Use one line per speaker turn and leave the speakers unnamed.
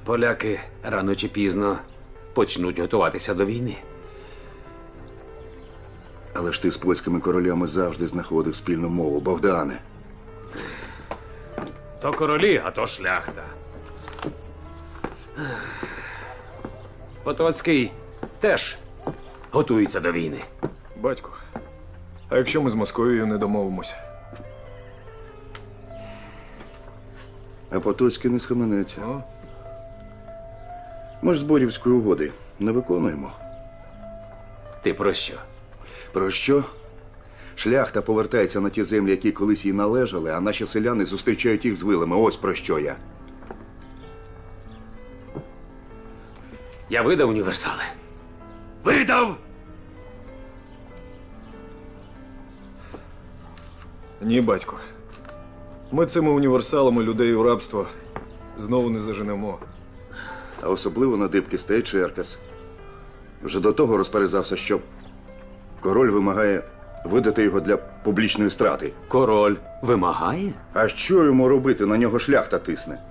Поляки рано чи пізно почнуть готуватися до війни.
Але ж ти з польськими королями завжди знаходив спільну мову, Богдане.
То королі, а то шляхта. Потоцький теж готується до війни.
Батько, а якщо ми з Московією не домовимося?
А Потоцький не схаменеться.
Ну,
Ми ж Зборівської угоди не виконуємо.
Ти про що?
Про що? Шляхта повертається на ті землі, які колись їй належали, а наші селяни зустрічають їх з вилами. Ось про що я.
Я видав універсали. Видав!
ні, батько. Ми цими універсалами людей у рабство знову не заженемо.
А особливо на дибки стає Черкас. Вже до того розперезався, що король вимагає видати його для публічної страти.
Король вимагає?
А що йому робити? На нього шляхта тисне.